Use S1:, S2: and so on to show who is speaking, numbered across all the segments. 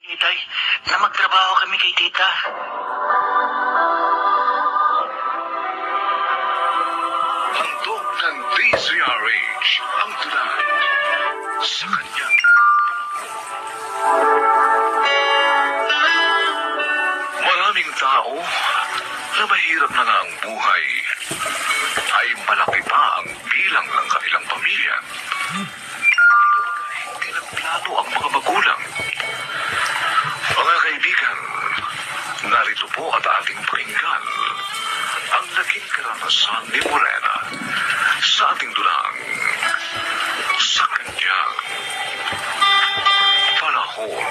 S1: Itay, na magtrabaho kami kay tita.
S2: Handog ng DZRH ang tulad sa kanyang maraming tao na mahirap na nga ang buhay ay malaki pa ang bilang ng kanilang pamilya. Hindi nagplano ang mga magulang. Mga kaibigan, narito po at ating pakinggan ang naging karanasan ni Morena sa ating dulang sa kanyang panahon.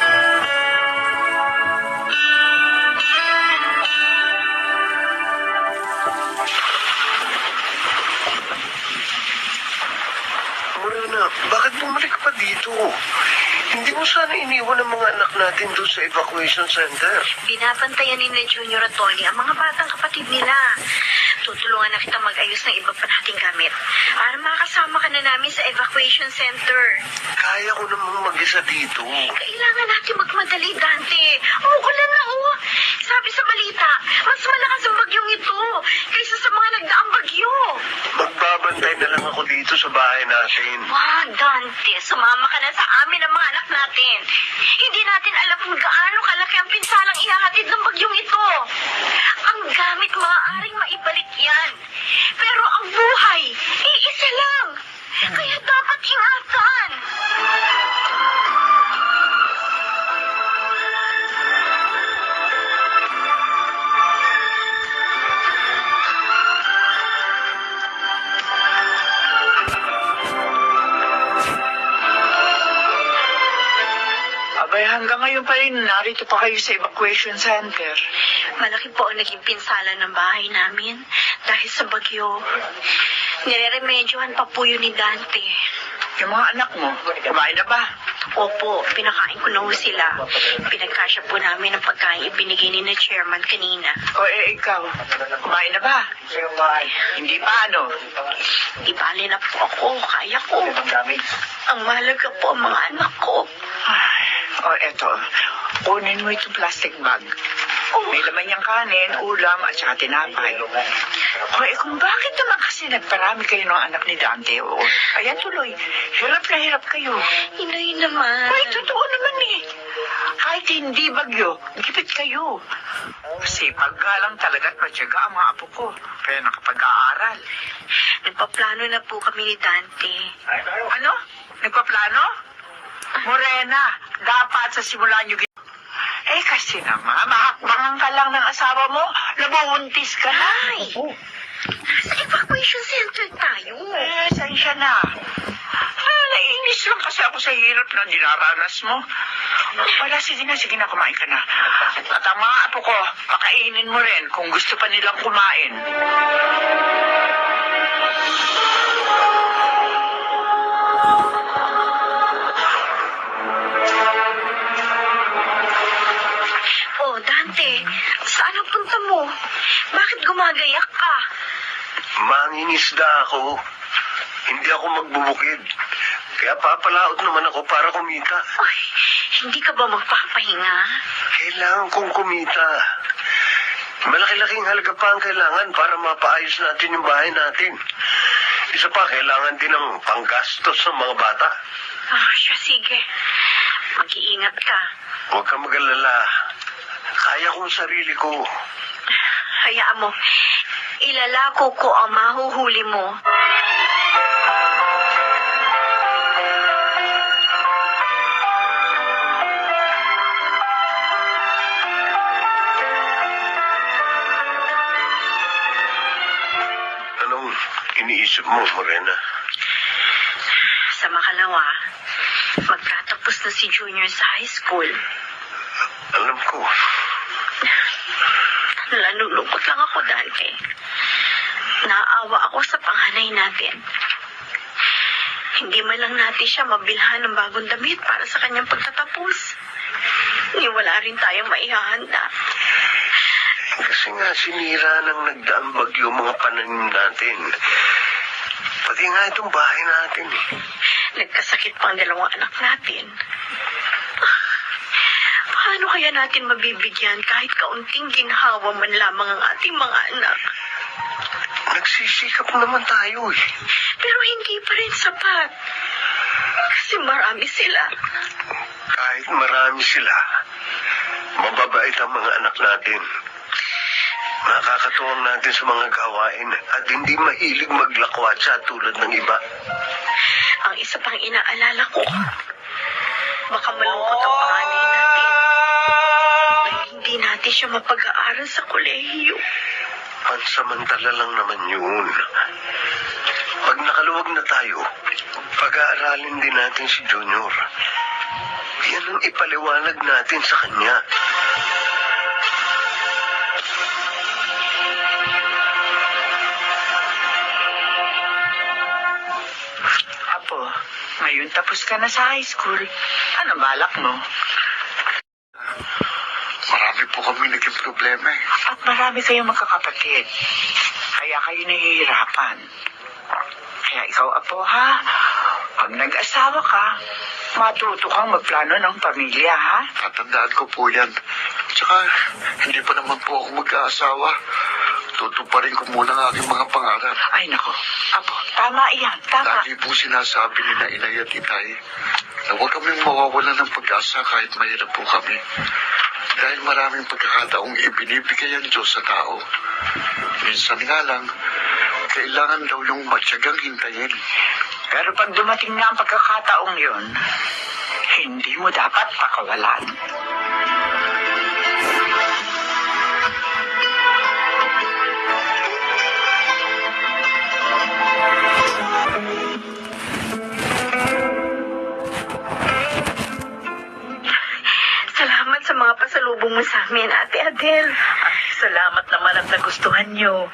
S3: Morena, bakit bumalik pa dito? Hindi mo sana iniwan ang mga anak natin doon sa evacuation center.
S4: Binabantayan ni na Junior at Tony ang mga batang kapatid nila. Tutulungan na kita mag-ayos ng iba pa nating gamit para makasama ka na namin sa evacuation center.
S3: Kaya ko namang mag-isa dito.
S4: Kailangan natin magmadali, Dante. Uulan na, oh. Sabi sa balita, mas malakas ang bagyong ito kaysa sa mga nagdaang bagyo.
S3: Magbabantay na lang ako dito sa bahay natin.
S4: Wag, Dante. Sumama ka na sa amin ang mga anak natin. Hindi natin alam kung gaano kalaki ang pinsalang ihahatid ng bagyong ito. Ang gamit maaaring maibalik yan. Pero ang buhay, iisa lang. Kaya dapat ingatan.
S1: Abay, hanggang ngayon pa rin, narito pa kayo sa evacuation center.
S4: Malaki po ang naging pinsala ng bahay namin dahil sa bagyo. Nire-remedyohan pa po yun ni Dante.
S1: Yung mga anak mo, kumain na ba?
S4: Opo, pinakain ko na ho sila. Pinagkasya po namin ang pagkain ibinigay ni na chairman kanina.
S1: O ikaw, kumain na ba? Hindi pa, ano?
S4: Ibali na po ako, kaya ko. Ang mahalaga po ang mga anak ko.
S1: Eto, kunin mo itong plastic bag. May laman niyang kanin, ulam, at saka tinapay. Kung bakit naman kasi nagparami kayo ng anak ni Dante? Ayan tuloy, hirap na hirap kayo.
S4: Inay naman.
S1: Totoo naman eh. Kahit hindi bagyo, gipit kayo. Kasi paggalang talaga at matyaga ang mga apo ko. Kaya nakapag-aaral.
S4: Nagpaplano na po kami ni Dante.
S1: Ano? Nagpaplano? Morena, dapat sa simula niyo kasi naman, mahakbangan ka lang ng asawa mo, nabuntis ka na.
S4: Ay! Sa evacuation center tayo.
S1: Saan siya na? Naiinis lang kasi ako sa hirap na dinaranas mo. Wala, sige na, kumain ka na. At ang mga apo ko, pakainin mo rin kung gusto pa nilang kumain.
S4: Oh, Dante, saan ang punta mo? Bakit gumagayak ka?
S3: Mangingisda ako. Hindi ako magbubukid. Kaya papalaot naman ako para kumita.
S4: Ay, hindi ka ba magpapahinga?
S3: Kailangan kong kumita. Malaki-laking halaga pa ang kailangan para mapaayos natin yung bahay natin. Isa pa, kailangan din ng panggastos ng mga bata.
S4: Siya, sige. Mag-iingat ka.
S3: Huwag kang mag-alala. Kaya kong sarili ko.
S4: Hayaan mo. Ilalako ko ang mahuhuli mo.
S3: Anong iniisip mo, Morena?
S4: Sa makalawa, magtatapos na si Junior sa high school.
S3: Alam ko.
S4: Nalulungkot lang ako, Dante. Naawa ako sa panganay natin. Hindi man lang natin siya mabilhan ng bagong damit para sa kanyang pagtatapos. Wala rin tayong maihahanda.
S3: Kasi nga sinira ng nagdaang bagyo mga pananim natin. Pati nga itong bahay natin eh.
S4: Nagkasakit pa ang dalawang anak natin. Paano kaya natin mabibigyan kahit kaunting ginhawa man lamang ang ating mga anak?
S3: Nagsisikap naman tayo eh.
S4: Pero hindi pa rin sapat. Kasi marami sila.
S3: Kahit marami sila, mababait ang mga anak natin. Nakakatuwang natin sa mga gawain at hindi mahilig maglakwatsa tulad ng iba.
S4: Ang isa pang inaalala ko, baka malungkot ang panganay natin. Dahil hindi natin siya mapag-aaral sa kolehiyo.
S3: Pansamantala lang naman yun. Pag nakaluwag na tayo, pag-aaralin din natin si Junior. Yan ang ipaliwanag natin sa kanya.
S1: Apo, ngayon tapos ka na sa high school. Ano balak mo?
S2: Marami po kami naging problema eh.
S1: At marami kayong magkakapatid. Kaya kayo nahihirapan. Kaya ikaw, Apo, ha? Pag nag-asawa ka, matuto kang magplano ng pamilya, ha?
S2: Tatandaan ko po yan. Tsaka, hindi pa naman po ako mag-aasawa. Tutuparin ko muna ang aking mga pangarap.
S1: Ay, nako. Apo, tama iyan. Tama.
S2: Lagi po sinasabi ni na Inay at Itay na huwag kaming mawawalan ng pag-asa kahit mahirap po kami. Dahil maraming pagkakataong ibinibigay ang Diyos sa tao. Minsan nga lang, kailangan daw yung matyagang hintayin.
S1: Pero pag dumating na ang pagkakataong yun, hindi mo dapat pakawalan.
S4: Salamat sa mga pasalubong mo sa amin, Ate Adele.
S1: Ay, salamat naman at nagustuhan nyo.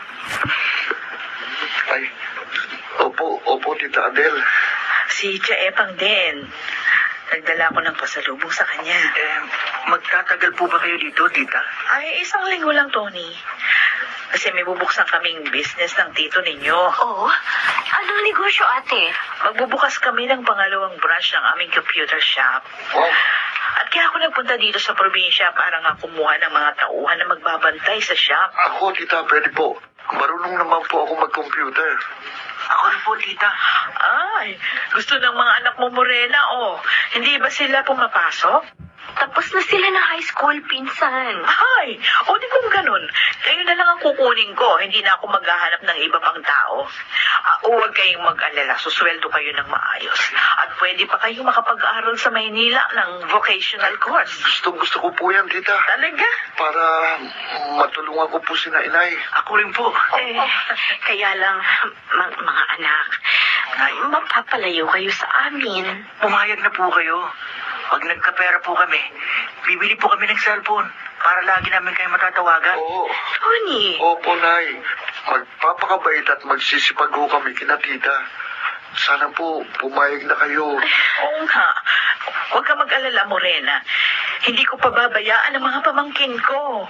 S2: Ay, opo, Tita Adele.
S1: Si Tia Epang din. Nagdala ko ng pasalubong sa kanya. Magtatagal po ba kayo dito, tita? Ay, 1 linggo lang, Tony. Kasi may bubuksan kaming business ng tito ninyo.
S4: Oh, anong negosyo, ate?
S1: Magbubukas kami ng pangalawang branch ng aming computer shop.
S2: Wow,
S1: At kaya ako nagpunta dito sa probinsya para nga kumuha ng mga tauhan na magbabantay sa shop.
S2: ako, Tita, pwede po. Marunong naman po ako mag-computer.
S1: Ako rin po, tita. Ay, gusto ng mga anak mo, Morena, oh. Hindi ba sila pumapasok?
S4: Tapos na sila ng high school, pinsan.
S1: Ay, o di kung ganun, kayo na lang ang kukunin ko. Hindi na ako maghahanap ng iba pang tao. Huwag kayong mag-alala, susweldo kayo ng maayos. At pwede pa kayong makapag-aral sa Maynila ng vocational course.
S2: Gusto ko po yan, Tita.
S1: Talaga?
S2: Para matulungan ko po si na Inay.
S1: Ako rin po.
S4: Kaya lang, mga anak, mapapalayo kayo sa amin.
S1: Pumayag na po kayo. Pag nagkapera po kami, bibili po kami ng cellphone para lagi namin kayo matatawagan.
S2: Oo.
S4: Tony,
S2: Opo, Nay. Magpapakabait at magsisipag ho kami kina Tita. Sana po pumayag na kayo.
S1: Oo nga. Huwag ka mag-alala, Morena. Hindi ko pababayaan ang mga pamangkin ko.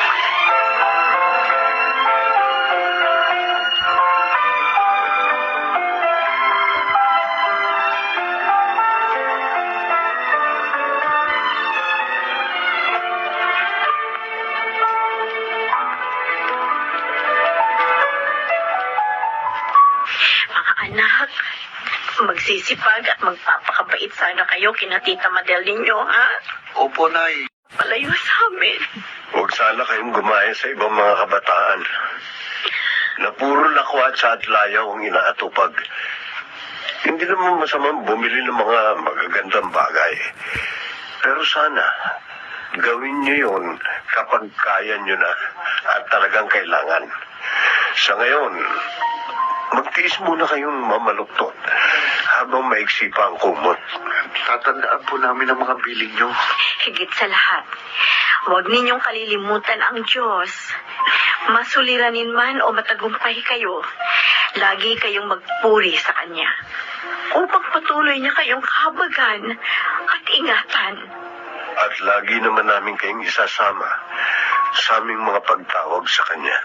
S4: mga anak, magsisipag at magpapakabait sana kayo kina Tita Madel ninyo, ha?
S2: Opo, Nay.
S4: Palayo sa amin.
S3: Huwag sana kayong gumaya sa ibang mga kabataan na puro lakwatsa at layaw ang inaatupag. Hindi naman masamang bumili ng mga magagandang bagay. Pero sana, gawin nyo yun kapag kaya nyo na at talagang kailangan. Sa ngayon, magtiis muna kayong mamaluktot habang maiksi pa ang kumot.
S2: Tatandaan po namin ang mga biling nyo.
S4: Higit sa lahat, huwag ninyong kalilimutan ang Diyos. Masuliranin man o matagumpay kayo, lagi kayong magpuri sa Kanya upang patuloy niya kayong kahabagan at ingatan.
S3: At lagi naman namin kayong isasama sa aming mga pagtawag sa Kanya.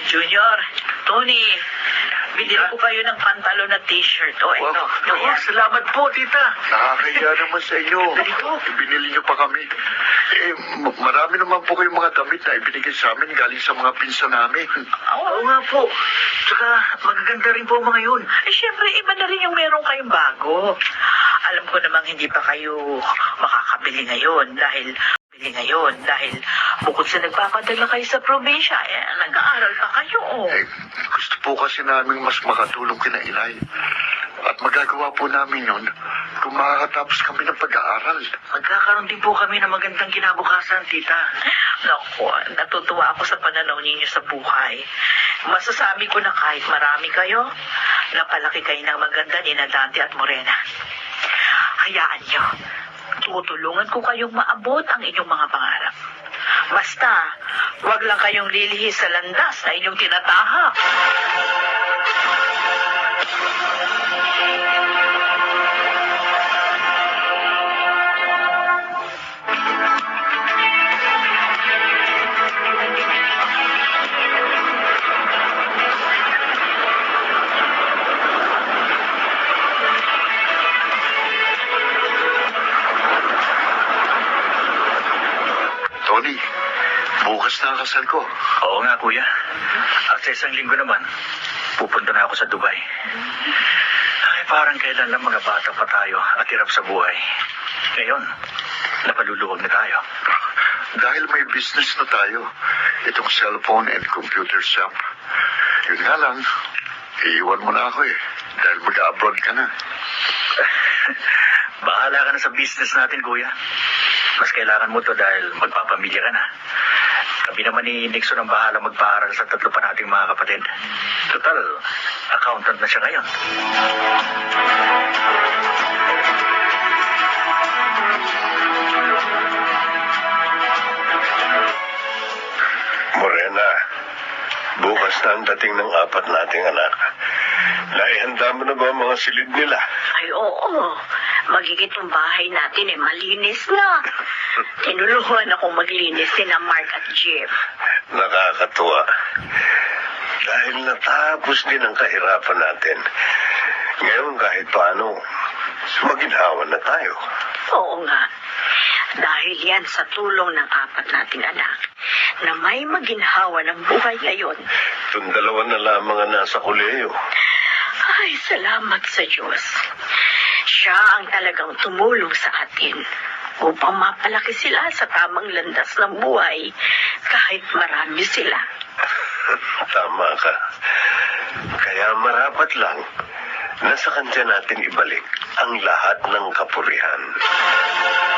S1: Junior, Tony, binili ko kayo ng pantalon at t-shirt. O, ito.
S2: Wow, salamat po, tita. Nakakaya naman sa inyo.
S1: Ganito.
S2: Binili niyo pa kami. Marami naman po kayong mga damit na ibinigay sa amin galing sa mga pinsan namin.
S1: Oo nga po. Tsaka magaganda rin po mga yun. Siyempre, iba na rin yung meron kayong bago. Alam ko namang hindi pa kayo makakabili ngayon dahil bukod sa nagpapadala kayo sa probinsya, nag-aaral pa kayo.
S2: Gusto po kasi namin mas makatulong kina Inay. At magagawa po namin yun kung makakatapos kami ng pag-aaral.
S1: Magkakaroon din po kami ng magandang kinabukasan, tita. Naku, natutuwa ako sa pananaw ninyo sa buhay. Masasabi ko na kahit marami kayo, napalaki kayo ng maganda ni Dante at Morena. Hayaan nyo, tutulungan ko kayong maabot ang inyong mga pangarap. Basta, wag lang kayong lilihis sa landas na inyong tinatahak.
S2: Tony, bukas na ang kasal ko.
S5: Oo nga, kuya. At sa isang linggo naman, pupunta na ako sa Dubai. Ay, parang kailan lang mga bata pa tayo at hirap sa buhay. Ngayon, napaluluwag na tayo.
S2: Dahil may business na tayo, itong cellphone and computer shop. Yun nga lang, iiwan mo na ako dahil mag-abroad ka na.
S5: Bahala ka na sa business natin, kuya. Mas kailangan mo to dahil magpapamilya ka na. Kami naman ni Nixon ang bahala magpaaral sa tatlo pa nating mga kapatid. Total, accountant na siya ngayon.
S3: Morena, bukas na ang dating ng apat nating anak. Naihanda mo na ba ang mga silid nila?
S4: Ay, oo. Magigit yung bahay natin malinis na. Tinulungan ako maglinis sina Mark at Jeff.
S3: Nakakatuwa. Dahil natapos din ang kahirapan natin. Ngayon kahit paano, maginhawa na tayo.
S4: Oo nga. Dahil yan sa tulong ng apat nating anak na may maginhawa ng buhay ngayon.
S3: Itong dalawa na lamang ang nasa kuleyo.
S4: Ay, salamat sa Diyos. Siya ang talagang tumulong sa atin upang mapalaki sila sa tamang landas ng buhay kahit marami sila.
S3: Tama ka. Kaya marapat lang na sa kanya natin ibalik ang lahat ng kapurihan.